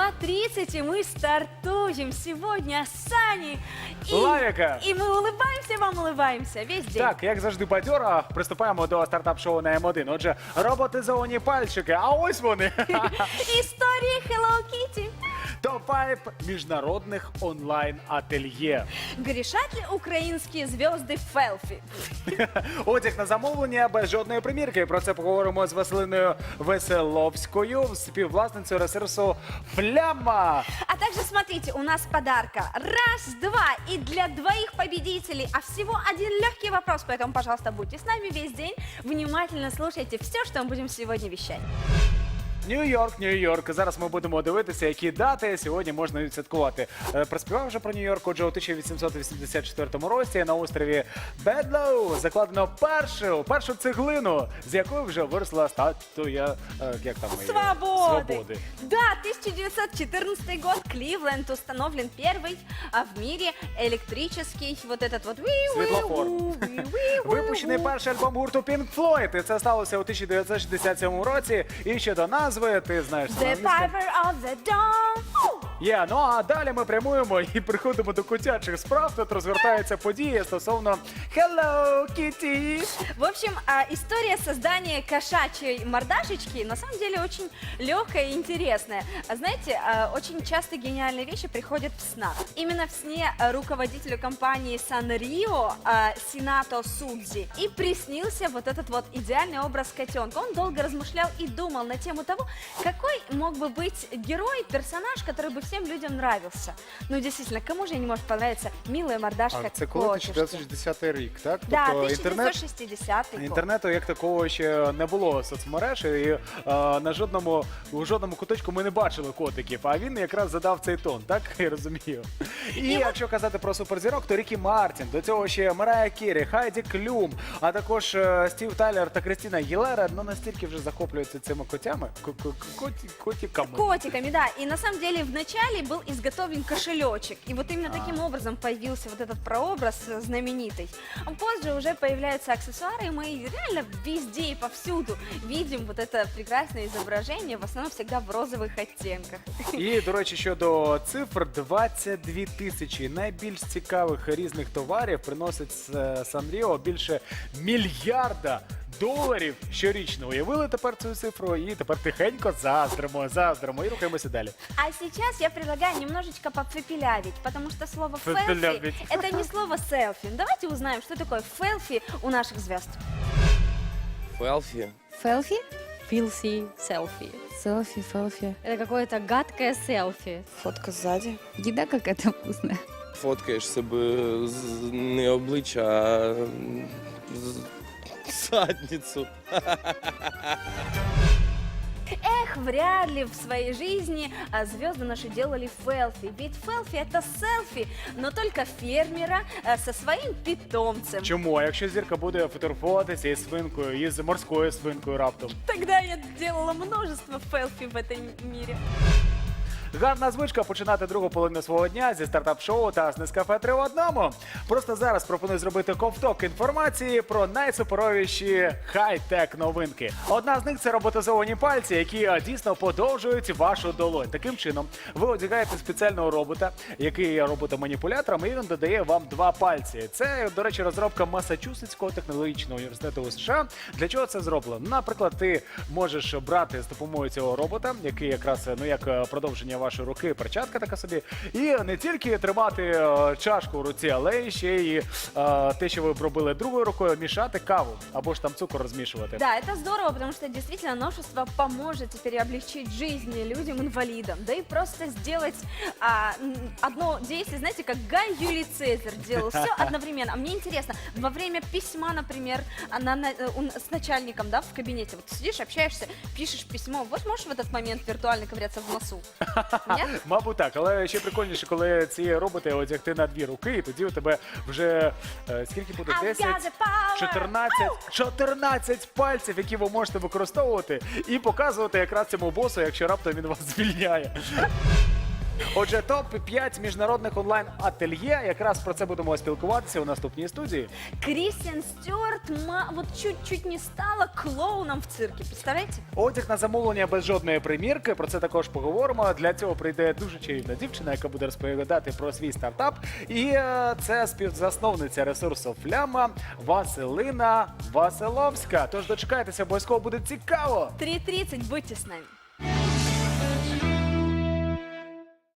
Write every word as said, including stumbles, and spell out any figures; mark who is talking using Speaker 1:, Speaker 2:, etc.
Speaker 1: два тридцать, и мы стартуем сегодня с Саней. И,
Speaker 2: Лавіка.
Speaker 1: и мы улыбаемся, вам улыбаемся весь день.
Speaker 2: Так, як завжди бадьора, приступаємо до стартап-шоу на М один. Отже, роботизовані пальчики, а ось вони.
Speaker 1: Истории Hello Kitty.
Speaker 2: топ п'ять міжнародних онлайн-ательє.
Speaker 1: Грешат ли украинские звезды в селфи?
Speaker 2: Одяг на замовлення без жодної примірки. Про це поговоримо з Василиною Веселовською, співвласницею ресурсу Фляма.
Speaker 1: А также смотрите, у нас подарка. Раз, два. И для двоих победителей. А всего один легкий вопрос. Поэтому, пожалуйста, будьте с нами весь день. Внимательно слушайте все, что мы будем сегодня вещать.
Speaker 2: Нью-Йорк, Нью-Йорк. Зараз ми будемо дивитися, які дати сьогодні можна відсвяткувати. Е, Проспівав вже про Нью-Йорк. Отже, у тисяча вісімсот вісімдесят четвертому році на острові Бедлоу закладено першу, першу цеглину, з якої вже виросла статуя, е, як там її?
Speaker 1: Свободы.
Speaker 2: Свободи.
Speaker 1: Да, тысяча девятьсот четырнадцатый год, Кливленд установлен первый а, в мире электрический вот этот вот
Speaker 2: Світлофор. Випущений перший альбом гурту Pink Floyd. І це сталося у тисяча дев'ятсот шістдесят сьомому році. І ще до назви, ти знаєш, це
Speaker 1: The
Speaker 2: англійська.
Speaker 1: Piper of the Dawn.
Speaker 2: Є, ну а далі ми прямуємо і приходимо до котячих справ. Тут розгортаються події стосовно Hello Kitty.
Speaker 1: В общем, а, история создания кошачьей мордашечки на самом деле очень легкая и интересная. А знаете, а, очень часто гениальные вещи приходят в снах. Именно в сне а, руководителю компании Санрио а, Синато Судзи и приснился вот этот вот идеальный образ котенка. Он долго размышлял и думал на тему того, какой мог бы быть герой, персонаж, который бы всем людям нравился. Ну, действительно, кому же не может понравиться милая мордашка
Speaker 3: А це коли
Speaker 1: котюшки?
Speaker 3: тисяча дев'ятсот шістдесятий рік, так?
Speaker 1: Да,
Speaker 3: Тобто
Speaker 1: тисяча
Speaker 3: інтернет
Speaker 1: девятьсот шестидесятый год.
Speaker 2: Інтернету як такого ще не було соцмереж, і е, на жодному у жодному куточку ми не бачили котиків. А він якраз задав цей тон, так я розумію. І якщо казати про суперзірок, то Рікі Мартін, до цього ще Марая Керрі, Хайді Клюм, а також е, Стів Тайлер та Крістіна Гілера, ну настільки вже захоплюються цими котями, ко- ко- коті- котиками.
Speaker 1: Котиками, да. И на самом деле вначале был изготовлен кошелечек. И вот именно
Speaker 2: А.
Speaker 1: таким образом появился вот этот прообраз э, знаменитый. А позже уже появляются аксессуары, и мы реально везде и повсюду видим вот это прекрасное изображение, в основном всегда в розовых оттенках.
Speaker 2: І, до речі, щодо цифр, двадцять дві тисячі найбільш цікавих різних товарів приносить е, Санріо більше мільярда доларів щорічно. Уявили тепер цю цифру і тепер тихенько заздримо, заздримо і рухаємося далі.
Speaker 1: А сейчас я предлагаю немножечко попепелявить, потому что слово «фелфи»
Speaker 2: Попепелявить.
Speaker 1: — это не слово «селфи». Давайте узнаем, что такое «фелфи» у наших звезд.
Speaker 4: Фелфи.
Speaker 5: Селфи?
Speaker 6: Филси селфи.
Speaker 5: Селфи, селфи.
Speaker 6: Это какое-то гадкое селфи.
Speaker 5: Фотка сзади. Еда какая-то вкусная.
Speaker 4: Фоткаєш себе з- не обличчя, а з- задницю.
Speaker 1: Эх, вряд ли в своей жизни а, звезды наши делали фелфи. Ведь фелфи — это селфи, но только фермера а, со своим питомцем.
Speaker 2: Чому? А якщо зірка буде фотографуватися із свинкою, із морською свинкою раптом?
Speaker 1: Тогда я делала множество фелфи в этом мире.
Speaker 2: Гарна звичка починати другу половину свого дня зі стартап-шоу та з Нескафе три в одному. Просто зараз пропоную зробити ковток інформації про найсуперовіші хай-тек новинки. Одна з них – це роботизовані пальці, які а, дійсно подовжують вашу долонь. Таким чином, ви одягаєте спеціального робота, який є роботом-маніпулятором, і він додає вам два пальці. Це, до речі, розробка Масачусетського технологічного університету у США. Для чого це зроблено? Наприклад, ти можеш брати з допомогою цього робота, який якраз, ну як е, продовження вашої руки, перчатка така собі, і не тільки тримати е, чашку в руці, але й ще й е, те, що ви б робили другою рукою, мішати каву або ж там цукор розмішувати.
Speaker 1: Да, это здорово, потому что действительно новшество поможет теперь облегчить жизнь людям-инвалидам. Да и просто сделать а, м, одно действие, знаете, как Гай Юлий Цезарь делал все одновременно. А мне интересно, во время письма, например, а, на- на- э, у- с начальником, да, в кабинете, вот сидишь, общаешься, пишешь письмо, вот можешь в этот момент виртуально ковыряться в носу? Нет?
Speaker 2: Мабуть, так, але ще прикольніше, коли ці роботи одягти на дві руки, і тоді у тебе вже е, скільки буде?
Speaker 1: I've got
Speaker 2: десять,
Speaker 1: the power!
Speaker 2: чотирнадцять, чотирнадцять пальців, які ви можете використовувати і показувати якраз цьому босу, якщо раптом він вас звільняє. Отже, топ п'ять міжнародних онлайн-ательє. Якраз про це будемо спілкуватися у наступній студії.
Speaker 1: Кристиан Стюарт ма- вот чуть-чуть не стала клоуном в цирке, представляете?
Speaker 2: Одяг на замовлення без жодної примірки. Про це також поговоримо. Для цього прийде дуже чарівна дівчина, яка буде розповідати про свій стартап. І е, це співзасновниця ресурсу Фляма Василина Василовська. Тож дочекайтеся, обов'язково буде цікаво.
Speaker 1: три тридцать, будьте с нами.